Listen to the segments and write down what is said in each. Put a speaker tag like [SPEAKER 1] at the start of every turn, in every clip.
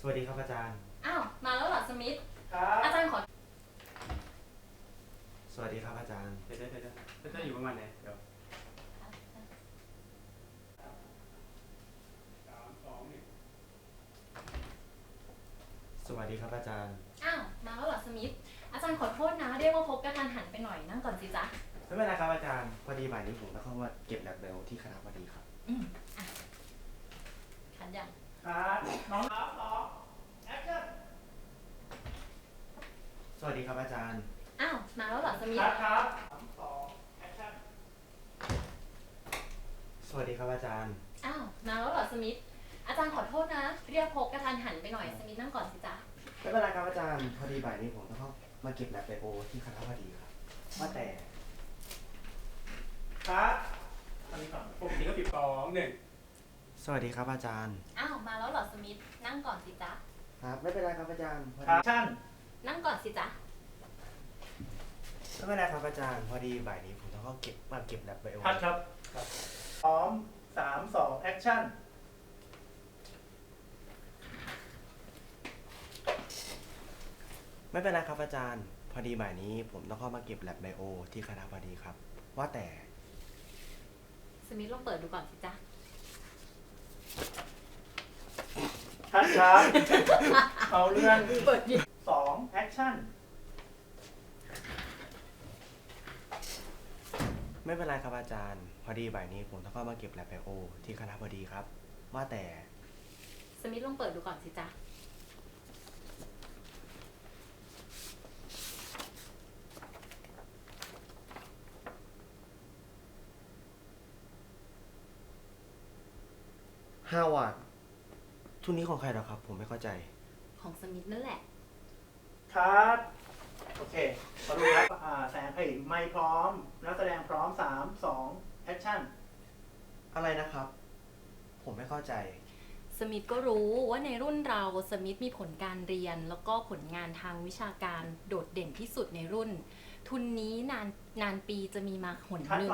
[SPEAKER 1] สวัสดีครับอาจารย์
[SPEAKER 2] อ้าวมาแล้วเหรอสมิธ
[SPEAKER 3] ครับ
[SPEAKER 2] อาจารย์ขอ
[SPEAKER 1] สวัสดีครับอาจารย์
[SPEAKER 3] เดี๋ยวอยู่ประมาณไหนเดี๋ยว3 2 1
[SPEAKER 1] สวัสดีครับอาจารย์
[SPEAKER 2] อ้าวมาแล้วเหรอสมิธอาจารย์ขอโทษนะเรียกว่าพบกระทันหันไปหน่อยนั่งก่อนสิจ๊ะ
[SPEAKER 1] ไม่เป็นไรครับอาจารย์พอดีบ่ายนี้ผมต้องเข้ามาเก็บแลบเบลที่คณะพอดีครับ
[SPEAKER 2] อ่ะขันยัง
[SPEAKER 3] ครับน้องครับแอคชั่น
[SPEAKER 1] สวัสดีครับอาจารย์
[SPEAKER 2] อ้าวมาแล้วเหรอสมิธ
[SPEAKER 3] ครับ3 2แอคชั่น
[SPEAKER 1] สวัสดีครับอาจารย์
[SPEAKER 2] อ้าวมาแล้วเหรอสมิธอาจารย์ขอโทษนะเรียกพบกระทันหันไปหน่อยสมิธนั่งก่อนสิจ๊ะ
[SPEAKER 1] ไม่เป็นไรครับอาจารย์พอดีบ่ายนี้ผมต้องเข้ามาเก็บแลบเบลที่คณะพอดีครับว่าแต่
[SPEAKER 3] ครับอันนี้ก่อนปกติก็12 1
[SPEAKER 1] สวัสดีครับอาจารย์
[SPEAKER 2] อ้าวมาแล้วเหรอสมิธนั่งก่อนสิจ๊ะ
[SPEAKER 1] ครับไม่เป็นไรครับอาจารย์พอ
[SPEAKER 3] ครั
[SPEAKER 1] ดี
[SPEAKER 3] บชั่น
[SPEAKER 2] นั่งก่อนสิจ๊ะ
[SPEAKER 1] ไม่เป็นไรครับอาจารย์พอดีบ่ายนี้ผมต้องเข้ามาเก็บแลบเบล
[SPEAKER 3] พัดครับพร้อม3 2แอคชั่น
[SPEAKER 1] ไม่เป็นไรครับอาจารย์พอดีบ่ายนี้ผมต้องเข้ามาเก็บแลบไบโอที่คณะพอดีครับว่าแต่
[SPEAKER 2] สมิธลองเปิดดูก่อนสิจ๊ะ
[SPEAKER 3] พัดครับเอาเรื่อง
[SPEAKER 2] เปิดดิ
[SPEAKER 3] 2แอคชั่น
[SPEAKER 1] ไม่เป็นไรครับอาจารย์พอดีบ่ายนี้ผมต้องเข้ามาเก็บแลบไบโอที่คณะพอดีครับว่าแต่
[SPEAKER 2] สมิธลองเปิดดูก่อนสิจ๊ะ
[SPEAKER 1] 5 วัตต์ทุนนี้ของใครเหรอครับผมไม่เข้าใจ
[SPEAKER 2] ของสมิธนั่นแหละ
[SPEAKER 3] ครับโอเคขอดูครับแสงไมค์พร้อมนักแสดงพร้อม3 2แอคชั่น
[SPEAKER 1] อะไรนะครับผมไม่เข้าใจ
[SPEAKER 2] สมิธก็รู้ว่าในรุ่นเราสมิธมีผลการเรียนแล้วก็ผลงานทางวิชาการโดดเด่นที่สุดในรุ่นทุนนี้นานปีจะมีมาหนหนึ่ง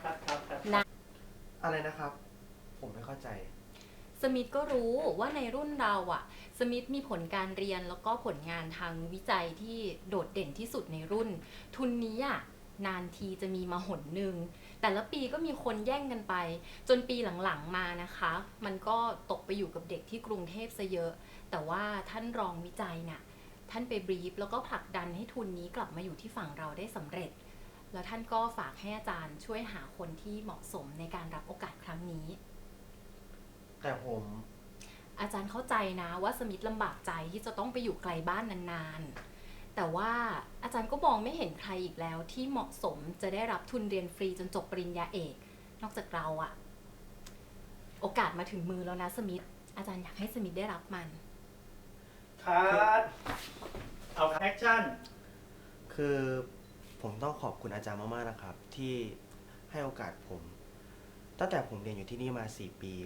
[SPEAKER 1] อะไรนะครับผมไม่เข้าใจ
[SPEAKER 2] สมิธก็รู้ว่าในรุ่นเราสมิธมีผลการเรียนแล้วก็ผลงานทางวิจัยที่โดดเด่นที่สุดในรุ่นทุนนี้นานทีจะมีมาหนหนึ่งแต่ละปีก็มีคนแย่งกันไปจนปีหลังๆมานะคะมันก็ตกไปอยู่กับเด็กที่กรุงเทพซะเยอะแต่ว่าท่านรองวิจัยท่านไปบรีฟแล้วก็ผลักดันให้ทุนนี้กลับมาอยู่ที่ฝั่งเราได้สำเร็จแล้วท่านก็ฝากให้อาจารย์ช่วยหาคนที่เหมาะสมในการรับโอกาสครั้งนี้
[SPEAKER 1] แต่ผม
[SPEAKER 2] อาจารย์เข้าใจนะว่าสมิธลำบากใจที่จะต้องไปอยู่ไกลบ้านนานๆแต่ว่าอาจารย์ก็มองไม่เห็นใครอีกแล้วที่เหมาะสมจะได้รับทุนเรียนฟรีจนจบปริญญาเอกนอกจากเราโอกาสมาถึงมือแล้วนะสมิธอาจารย์อยากให้สมิธได้รับมัน
[SPEAKER 3] ครับเอาแอคชั่น
[SPEAKER 1] คือผมต้องขอบคุณอาจารย์มากๆนะครับที่ให้โอกาสผมตั้งแต่ผมเรียนอยู่ที่นี่มา4 ปี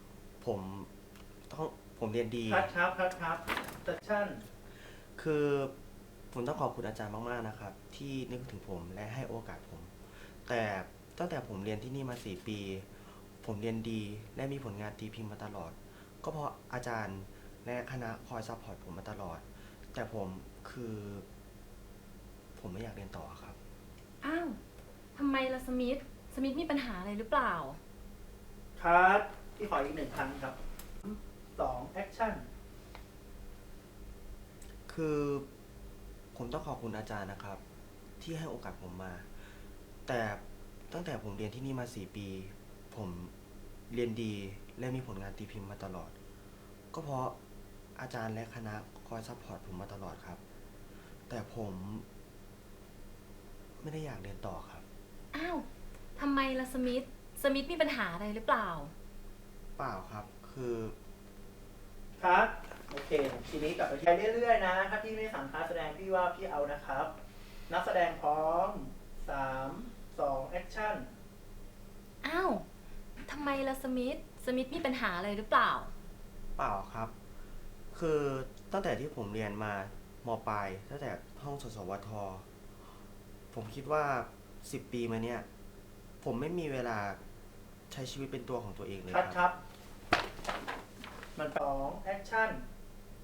[SPEAKER 1] ผมเรียนดี
[SPEAKER 3] ครับแอคชั่น
[SPEAKER 1] คือผมต้องขอบคุณอาจารย์มากๆนะครับที่นึกถึงผมและให้โอกาสผมแต่ตั้งแต่ผมเรียนที่นี่มา4 ปีผมเรียนดีและมีผลงานตีพิมพ์มาตลอดก็เพราะอาจารย์และคณะคอยซัพพอร์ตผมมาตลอดแต่ผมไม่อยากเรียนต่อครับ
[SPEAKER 2] อ้าวทำไมล่ะสมิธมีปัญหาอะไรหรือเปล่า
[SPEAKER 3] ครับพี่ขออีก1 ครั้งครับ2แอคชั่น
[SPEAKER 1] คือผมต้องขอบคุณอาจารย์นะครับที่ให้โอกาสผมมาแต่ตั้งแต่ผมเรียนที่นี่มา4 ปีผมเรียนดีและมีผลงานตีพิมพ์มาตลอดก็เพราะอาจารย์และคณะคอยซัพพอร์ตผมมาตลอดครับแต่ผมไม่ได้อยากเรียนต่อครับ
[SPEAKER 2] อ้าวทำไมล่ะสมิธมีปัญหาอะไรหรือเปล่า
[SPEAKER 1] เปล่าครับคือ
[SPEAKER 3] ครับโอเคทีนี้กลับไปใช้เรื่อยๆนะถ้าพี่ไม่สั่งการแสดงพี่ว่าพี่เอานะครับนักแสดงพร้อม3 2แอคชั่น
[SPEAKER 2] อ้าวทำไมล่ะสมิธมีปัญหาอะไรหรือเปล่า
[SPEAKER 1] เปล่าครับคือตั้งแต่ที่ผมเรียนมปลายตั้งแต่ห้องสวทผมคิดว่า10 ปีมาเนี่ยผมไม่มีเวลาใช้ชีวิตเป็นตัวของตัวเองเลย
[SPEAKER 3] ครับมัน2แอคชั่น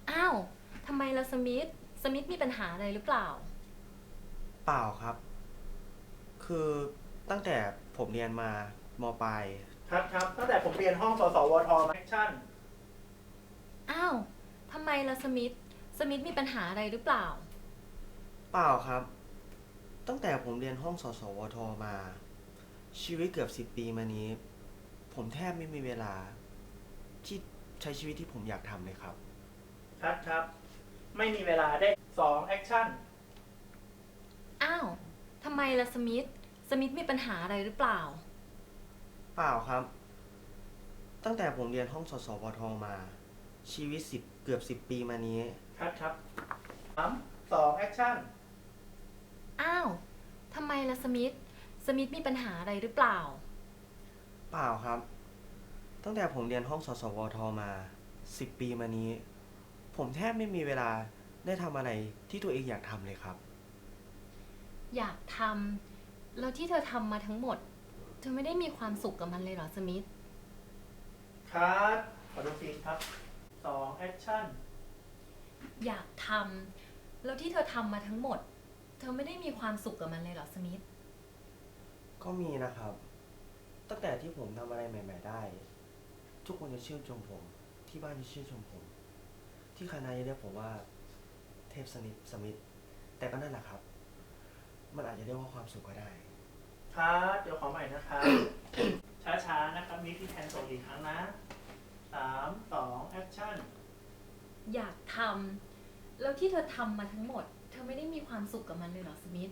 [SPEAKER 2] อ้าวทำไมล่ะสมิธมีปัญหาอะไรหรือเปล่า
[SPEAKER 1] เปล่าครับ คือตั้งแต่ผมเรียนมามปลาย
[SPEAKER 3] ครับตั้งแต่ผมเรียนห้องสสวทมาแอคชั่น
[SPEAKER 2] อ้าวทำไมล่ะสมิธมีปัญหาอะไรหรือเปล่า
[SPEAKER 1] เปล่าครับ ตั้งแต่ผมเรียนห้องสสวทมา ชีวิตเกือบ10 ปีมานี้ ผมแทบไม่มีเวลา ที่ใช้ชีวิตที่ผมอยากทำเลยครับ
[SPEAKER 3] ครับไม่มีเวลาได้2แอคชั่น
[SPEAKER 2] อ้าวทำไมล่ะสมิธมีปัญหาอะไรหรือเปล่า
[SPEAKER 1] เปล่าครับ ตั้งแต่ผมเรียนห้องสสวทมา ชีวิตเกือบ10 ปีมานี้
[SPEAKER 3] ครับ2แอคชั่น
[SPEAKER 2] อ้าวทำไมล่ะสมิธมีปัญหาอะไรหรือเปล่า
[SPEAKER 1] เปล่าครับ ตั้งแต่ผมเรียนห้องสสวทมา10 ปีมานี้ ผมแทบไม่มีเวลาได้ทำอะไรที่ตัวเองอยากทำเลยครับ
[SPEAKER 2] อยากทำแล้วที่เธอทำมาทั้งหมด เธอไม่ได้มีความสุขกับมันเลยเหรอสมิธ
[SPEAKER 3] ครับขอดูฟีดครับ2แอคชั่น
[SPEAKER 2] อยากทำแล้วที่เธอทำมาทั้งหมด เธอไม่ได้มีความสุขกับมันเลยเหรอสมิธ
[SPEAKER 1] ก็มีนะครับ ตั้งแต่ที่ผมทำอะไรใหม่ๆได้ ทุกคนจะชื่นชมผม ที่บ้านจะชื่นชมผม ที่คณะจะเรียกผมว่าเทพสมิธแต่ก็นั่นแหละครับ มันอาจจะเรียกว่าความสุขก็ได้
[SPEAKER 3] ครับเดี๋ยวขอใหม่นะครับ ช้าๆนะครับ มีพี่แทนส่งอีกครั้งนะ3 2แอคชั่น
[SPEAKER 2] อยากทำแล้วที่เธอทำมาทั้งหมด เธอไม่ได้มีความสุขกับมันเลยเหรอสมิธ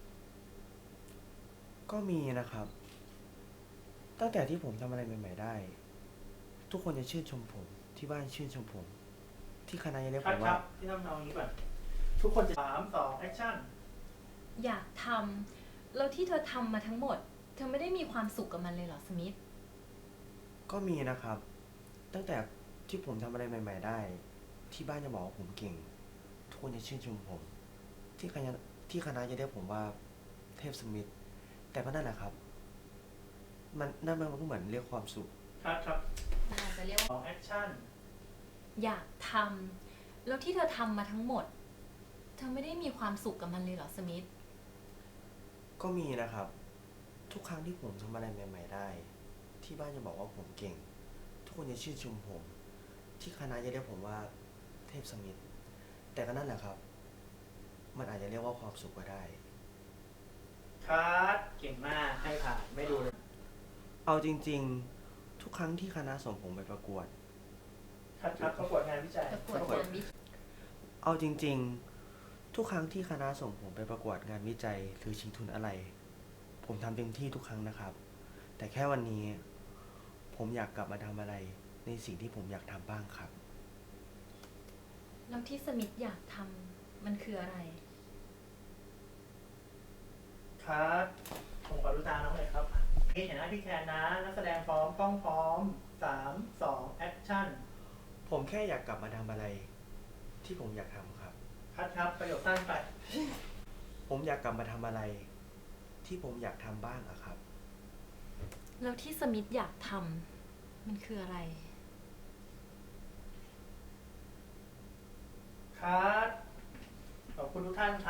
[SPEAKER 1] ก็มีนะครับ ตั้งแต่ที่ผมทำอะไรใหม่ๆได้ ทุกคนจะชื่นชมผม ที่บ้านชื่นชมผม ที่คณะจะเรียก
[SPEAKER 3] ครั
[SPEAKER 1] ผ
[SPEAKER 3] บ
[SPEAKER 1] ม
[SPEAKER 3] ค
[SPEAKER 1] ว่า
[SPEAKER 3] รับที่ต้องเอาอย่างนี้ก่อน ทุกคนจะ3 2แอคชั่น
[SPEAKER 2] อยากทำแล้วที่เธอทำมาทั้งหมด เธอไม่ได้มีความสุขกับมันเลยเหรอสมิธ
[SPEAKER 1] ก็มีนะครับ ตั้งแต่ที่ผมทำอะไรใหม่ๆได้ ที่บ้านจะบอกว่าผมเก่ง ทุกคนจะชื่นชมผม ที่คณะจะเรียกผมว่าเทพสมิธแต่ก็นั่นแหละครับ นั่นมันก็เหมือนเรียกความสุข
[SPEAKER 3] ครับ
[SPEAKER 2] มันอาจจะเรียกว่า
[SPEAKER 3] 2แอคชั่น
[SPEAKER 2] อยากทำแล้วที่เธอทำมาทั้งหมด เธอไม่ได้มีความสุขกับมันเลยเหรอสมิธ
[SPEAKER 1] ก็มีนะครับ ทุกครั้งที่ผมทำอะไรใหม่ๆได้ ที่บ้านจะบอกว่าผมเก่ง ทุกคนจะชื่นชมผม ที่คณะจะเรียกผมว่าเทพสมิธแต่ก็นั่นแหละครับ มันอาจจะเรียกว่าความสุขก็ได้
[SPEAKER 3] ครับเก่งมากให้ผ่านไม่ดูเลย
[SPEAKER 1] เอาจริงๆ ทุกครั้งที่คณะส่งผมไปประกวด
[SPEAKER 3] ครับประกวดงานวิจัย
[SPEAKER 2] ประกวดงานวิจัย
[SPEAKER 1] เอาจริงๆ ทุกครั้งที่คณะส่งผมไปประกวดงานวิจัยหรือชิงทุนอะไร ผมทำเต็มที่ทุกครั้งนะครับ แต่แค่วันนี้ ผมอยากกลับมาทำอะไรในสิ่งที่ผมอยากทำบ้างครับ
[SPEAKER 2] แล้วที่สมิธอยากทำมันคืออะไร
[SPEAKER 3] ครับผมขอดูตาน้องเลยครับนี่เห็นหน้าพี่แคนนะ นักแสดงพร้อมกล้องพร้อม3 2แอคชั่น
[SPEAKER 1] ผมแค่อยากกลับมาทำอะไร ที่ผมอยากทำครับ
[SPEAKER 3] ครับประโยคสั้นไป
[SPEAKER 1] ผมอยากกลับมาทำอะไร ที่ผมอยากทำบ้างอะครับ
[SPEAKER 2] แล้วที่สมิธอยากทำมันคืออะไร
[SPEAKER 3] ครับขอบคุณทุกท่านครับ